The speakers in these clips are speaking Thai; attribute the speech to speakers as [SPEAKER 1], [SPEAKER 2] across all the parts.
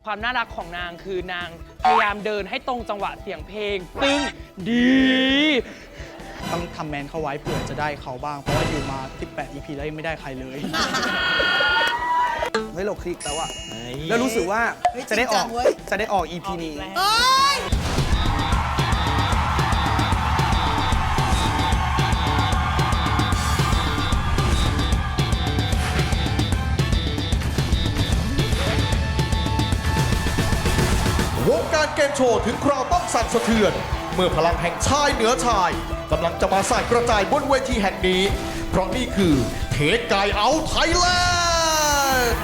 [SPEAKER 1] ความน่ารักของนางคือนางพยายามเดินให้ตรงจังหวะเสียงเพลงซึ่งดี
[SPEAKER 2] ต้องทำแมนเข้าไว้เผื่อจะได้เขาบ้างเพราะว่าอยู่มา18 EP แล้วยังไม่ได้ใครเลย
[SPEAKER 3] เฮ้ยเราคลิกแล้วอะแล้วรู้สึกว่าจะได้ออก EP นี้
[SPEAKER 4] วงการเกมโชว์ถึงคราวต้องสั่นสะเทือน เมื่อพลังแห่งชายเหนือชายกำลังจะมาส่ายกระจายบนเวทีแห่งนี้ เพราะนี่คือเทคไกเอาไทยแลนด์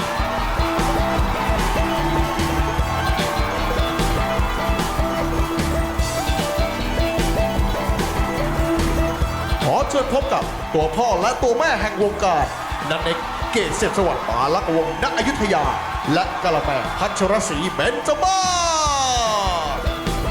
[SPEAKER 4] ขอเชิญพบกับตัวพ่อและตัวแม่แห่งวงการนันเอกเกษเศรษฐสวัสดิ์ปาลักษณ์วงศ์ณอยุธยา และกะละแมพัชรศรีเบญจมาศ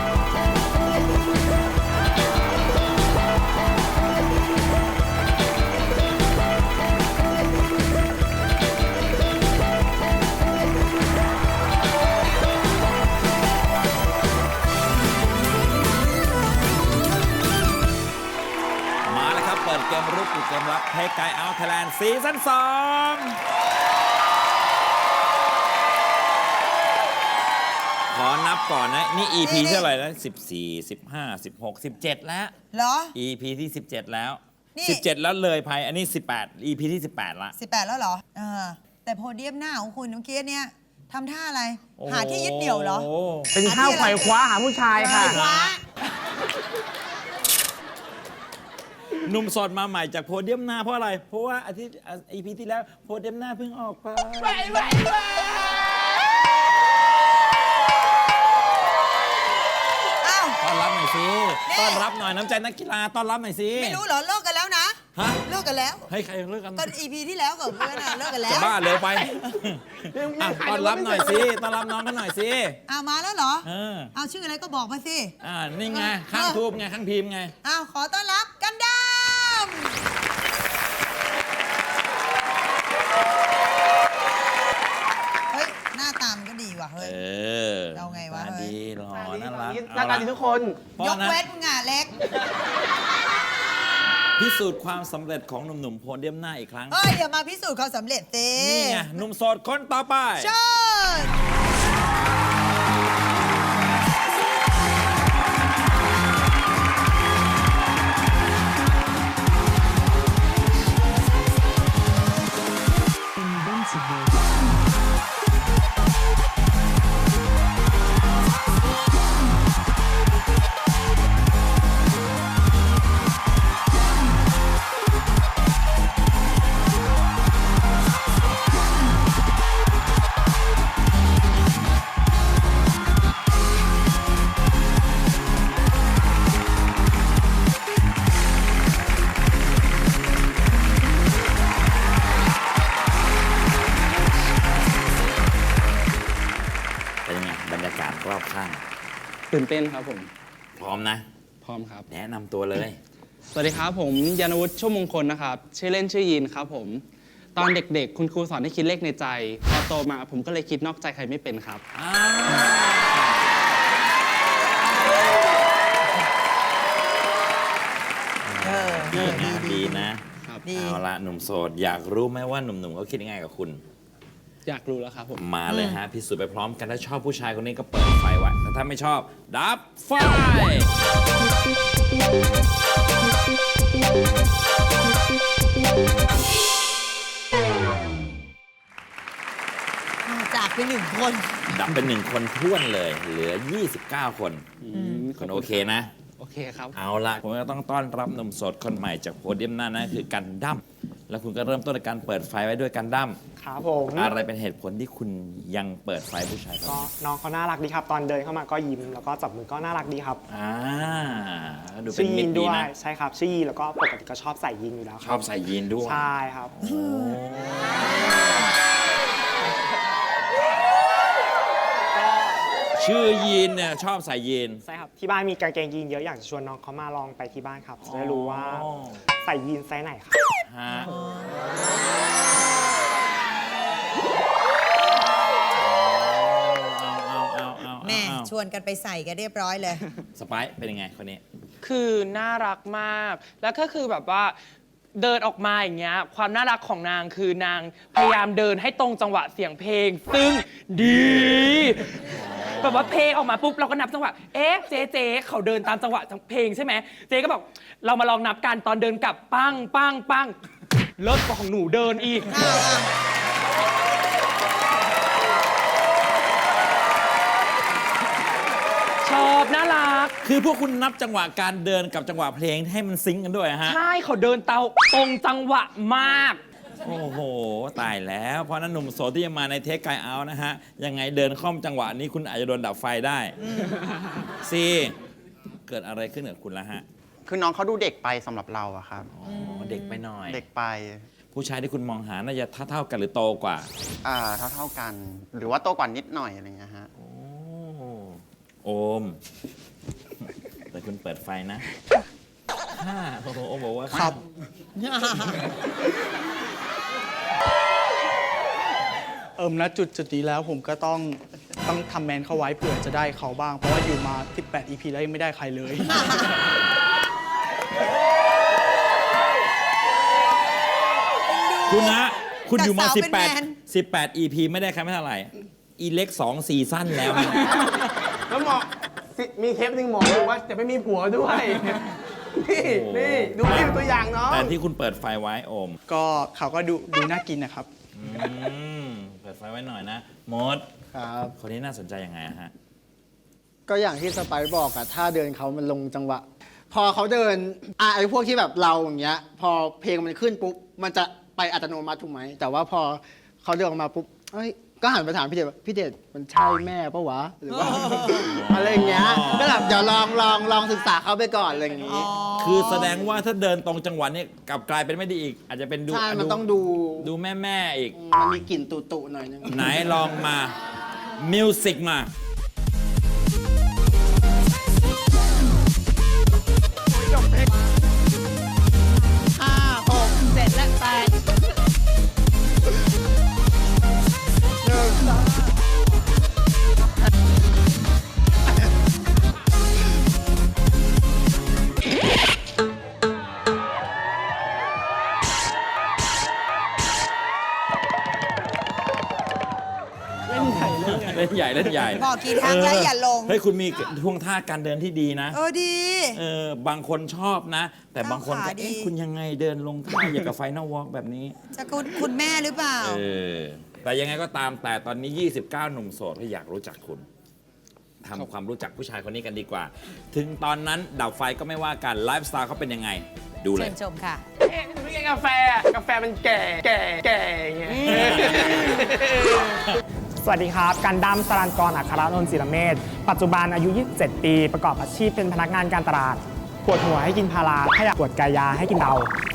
[SPEAKER 5] มาแล้วครับเปิดเกมรุกเกมรับเทคไกเอาไทยแลนด์ซีซั่น2ขอนับก่อนนะ นี่ EP เท่าไหร่แล้ว14 15 16 17 แล้ว
[SPEAKER 6] เหรอ
[SPEAKER 5] EP ที่ 17 แล้ว
[SPEAKER 6] นี่
[SPEAKER 5] 17 แล้วเลยภัยอันนี้ 18 EP ที่ 18 ละ
[SPEAKER 6] 18 แล้วเหรอแต่โพเดียมหน้าของคุณเมื่อกี้เนี่ยทำท่าอะไร
[SPEAKER 5] โอ้
[SPEAKER 6] หาที่ยึดเหนี่ยวเหรอ
[SPEAKER 3] เป็นข้าวไขว่คว้าหาผู้ชายค่ะ
[SPEAKER 6] คว้า
[SPEAKER 5] หนุ่มโสดมาใหม่จากโพเดียมหน้าเพราะอะไร เพราะว่าอาทิตย์ EP ที่แล้วโพเดียมหน้าเพิ่งออกไป
[SPEAKER 6] อ้าว
[SPEAKER 5] ต้อนรับหน่อยสิ
[SPEAKER 6] นี่
[SPEAKER 5] ต้อนรับหน่อยน้ำใจนักกีฬาต้อนรับหน่อยสิ
[SPEAKER 6] ไม่รู้เหรอเลิกกันแล้วนะ
[SPEAKER 5] ฮะ
[SPEAKER 6] เลิกกันแล้ว
[SPEAKER 5] ให้ใครเลิกกัน
[SPEAKER 6] ตอน EP ที่แล้วกับเพื่อนเลิกกันแล้
[SPEAKER 5] จะ
[SPEAKER 6] ว
[SPEAKER 5] บ้าเร็วไปอ่ะต้อนรับหน่อยสิต้อนรับน้องกันหน่อยสิ
[SPEAKER 6] มาแล้วเหรอ
[SPEAKER 5] เอา
[SPEAKER 6] ชื่ออะไรก็บอกมาสิ
[SPEAKER 5] นี่ไงข้างทูบไงข้างพิมพ์ไง
[SPEAKER 6] ขอต้อนรับกันดามเฮ้ยหน้าตามนก็ดีว่ะเฮ้ย เอาไงวะ
[SPEAKER 5] ตาดีหล่อน่ารัก
[SPEAKER 3] หน้าตาดีทุกคน
[SPEAKER 6] ยกเว้นมึงอ่ะเล็ก
[SPEAKER 5] พิสูจน์ความสำเร็จของหนุ่มๆโพเดียมหน้าอีกครั้ง
[SPEAKER 6] เฮ้ยเดี๋ยวมาพิสูจน์ความสำเร็จสิ
[SPEAKER 5] นี่ไงหนุ่มโสดคนต่อไป
[SPEAKER 6] เชิญ
[SPEAKER 5] เป็นยังไงบรรยากาศรอบข้าง
[SPEAKER 2] ตื่นเต้นครับผม
[SPEAKER 5] พร้อมนะ
[SPEAKER 2] พร้อมครับ
[SPEAKER 5] แนะนำตัวเลย
[SPEAKER 2] สวัสดีครับผมยานวุฒิชั่วมงคลนะครับ ชื่อเล่นชื่อยีนครับผม ตอนเด็กๆ คุณครูสอนให้คิดเลขในใจ พอโตมาผมก็เลยคิดนอกใจใครไม่เป็นครับ
[SPEAKER 5] ดีนะครับ เอาละหนุ่มโสดอยากรู้ไหมว่าหนุ่มๆเขาคิดยังไงกับคุณ
[SPEAKER 2] อยากรู้แล้วครับผม
[SPEAKER 5] มาเลยฮะพิสูจน์ไปพร้อมกันถ้าชอบผู้ชายคนนี้ก็เปิดไฟไว้แต่ถ้าไม่ชอบดับไฟ
[SPEAKER 6] จากไป1 คน
[SPEAKER 5] ดับเป็น1 คนท้วนเลย เหลือ 29 คนคนโอเคนะ
[SPEAKER 2] โอเคครับ
[SPEAKER 5] เอาละผมก็ต้องต้อนรับหนุ่มโสดคนใหม่จากโพเดียมหน้านั่นคือกันดั้มแล้วคุณก็เริ่มต้นในการเปิดไฟไว้ด้วยกันดั้ม
[SPEAKER 3] ครับผม
[SPEAKER 5] อะไรเป็นเหตุผลที่คุณยังเปิดไฟผู้ชายครับ
[SPEAKER 3] ก็น้องเขาน่ารักดีครับ ตอนเดินเข้ามาก็ยิ้มแล้วก็จับมือก็น่ารักดีครับ
[SPEAKER 5] ดูเป็
[SPEAKER 3] ชื่
[SPEAKER 5] น
[SPEAKER 3] อ
[SPEAKER 5] มิ
[SPEAKER 3] ยี
[SPEAKER 5] ต
[SPEAKER 3] น
[SPEAKER 5] รดี
[SPEAKER 3] ด้วย
[SPEAKER 5] นะ
[SPEAKER 3] ใช่ครับชื่อยีนแล้วก็ปกติก็ชอบใส่ยีนอยู่แล้วค
[SPEAKER 5] ช
[SPEAKER 3] รั
[SPEAKER 5] อบใส่ยีนด้วย
[SPEAKER 3] ใช่ครับ
[SPEAKER 5] ชื่อยีนเนี่ยชอบใส่ยีน
[SPEAKER 3] ใช่ครับที่บ้านมีกางเกงยีนเยอะอยากจะชวนน้องเขามาลองไปที่บ้านครับจะได้รู้ว่าใส่ยีนไซส์ไหนครับ
[SPEAKER 5] ฮะ
[SPEAKER 6] วนกันไปใส่กันเรียบร้อยเลย
[SPEAKER 5] สไปซ์เป็นยังไงคนนี้
[SPEAKER 1] คือน่ารักมาก แล้วก็คือแบบว่าเดินออกมาอย่างเงี้ย ความน่ารักของนางคือนางพยายามเดินให้ตรงจังหวะเสียงเพลง ซึ่งดีแบบว่าเพลงออกมาปุ๊บเราก็นับจังหวะ เอ๊ะเจ๊เขาเดินตามจังหวะเพลงใช่ไหม เจ๊ก็บอกเรามาลองนับกันตอนเดินกลับปังปังปังเลิศกว่าของหนูเดินอีก ชอบน่ารัก
[SPEAKER 5] คือพวกคุณนับจังหวะการเดินกับจังหวะเพลงให้มันซิงก์กันด้วยฮะ
[SPEAKER 1] ใช่เขาเดินตรงจังหวะมาก
[SPEAKER 5] โอ้โห ตายแล้ว เพราะนั้นหนุ่มโสดที่จะมาในเทคไกเอาท์นะฮะ ยังไงเดินค่อมจังหวะนี้คุณอาจจะโดนดับไฟได้ซีเกิดอะไรขึ้นกับคุณละฮะ
[SPEAKER 7] คือน้องเขาดูเด็กไปสำหรับเราอะครับ
[SPEAKER 5] อ๋อ เด็กไปหน่อย
[SPEAKER 7] เด็กไป
[SPEAKER 5] ผู้ชายที่คุณมองหาน่าจะเท่ากันหรือโตกว่า
[SPEAKER 7] เท่ากัน หรือว่าโตกว่านิดหน่อยอะไรเงี้ยฮะ
[SPEAKER 5] โอม แต่คุณเปิดไฟนะโอ้โหโอมบอกว่า
[SPEAKER 3] ครับ ณจุดนี้แล้วผมก็ต้องทำแมนเข้าไว้เผื่อจะได้เขาบ้าง เพราะว่าอยู่มา 18 EP แล้วยังไม่ได้ใครเลย
[SPEAKER 5] คุณนะคุณอยู่มา
[SPEAKER 6] แต่สาวเป็นแมน
[SPEAKER 5] 18 EP ไม่ได้ใครไม่เท่าไหร่ อีเล็ก2 ซีซั่นแล้วนะ
[SPEAKER 8] แล้วหมอมีเทปหนึ่งหมอบอกว่าจะไม่มีผัวด้วย นี่ดูนี่เป็นตัวอย่างเนาะ
[SPEAKER 5] แต่ที่คุณเปิดไฟไว้โอม
[SPEAKER 3] ก็เขาก็ดูน่ากินนะครับ
[SPEAKER 5] เปิดไฟไว้หน่อยนะมด
[SPEAKER 8] ครับ
[SPEAKER 5] คนนี้น่าสนใจยังไงอะฮะ
[SPEAKER 8] ก็อย่างที่สไปซ์บอกอะถ้าเดินเขามันลงจังหวะ พอเขาเดินไอ้พวกที่แบบเราอย่างเงี้ย พอเพลงมันขึ้นปุ๊บ มันจะไปอัตโนมัติถูกไหม แต่ว่าพอเขาเดินออกมาปุ๊บเอ้ย ก็หันไปถามพี่เดชว่าพี่เดชมันใช่แม่ปะวะ หรือว่า อะไรอย่างเงี้ย ก็แบบเดี๋ยวลองศึกษาเขาไปก่อนอะไรอย่างงี้
[SPEAKER 5] คือแสดงว่าถ้าเดินตรงจังหวะนี้กลับกลายเป็นไม่ดีอีก อาจจะเป็นดู
[SPEAKER 8] ใช่ มันต้องดู
[SPEAKER 5] ดูแม่อีก
[SPEAKER 8] มันมีกลิ่นตุๆหน่อยนึง
[SPEAKER 5] ไหนลองมา มิวสิกมา
[SPEAKER 6] 5 6 7 และ 8
[SPEAKER 5] เล่นใหญ่ เล่นใหญ่
[SPEAKER 6] บอกกี่ครั้งแล้วอย่าลง
[SPEAKER 5] เฮ้ยคุณมีท่วงท่าการเดินที่ดีนะ
[SPEAKER 6] ดี
[SPEAKER 5] บางคนชอบนะ แต่บางคนก็
[SPEAKER 6] ก้าวขาดี
[SPEAKER 5] เอ๊ะคุณยังไงเดินลงท่าอย่างกับไฟนอลวอล์กแบบนี้
[SPEAKER 6] จะคุณแม่หรือเปล่า
[SPEAKER 5] แต่ยังไงก็ตามแต่ตอนนี้ 29 หนุ่มโสดที่อยากรู้จักคุณทำความรู้จักผู้ชายคนนี้กันดีกว่า ถึงตอนนั้นดับไฟก็ไม่ว่ากันไลฟ์สไตล์เขาเป็นยังไง ดูเล
[SPEAKER 6] เชิ
[SPEAKER 5] ย
[SPEAKER 6] ญชมค่ะ
[SPEAKER 1] เอ๊ะไม่ใช่กาแฟอะกาแฟมันแก่อย่างเงี้ย
[SPEAKER 3] สวัสดีครับ กันดั้มสรัญกร อัครนนท์ศิรเมธ ปัจจุบันอายุ 27 ปี ประกอบอาชีพเป็นพนักงานการตลาด ปวดหัวให้กินพาราถ้าอยากปวดกายาให้กินเดา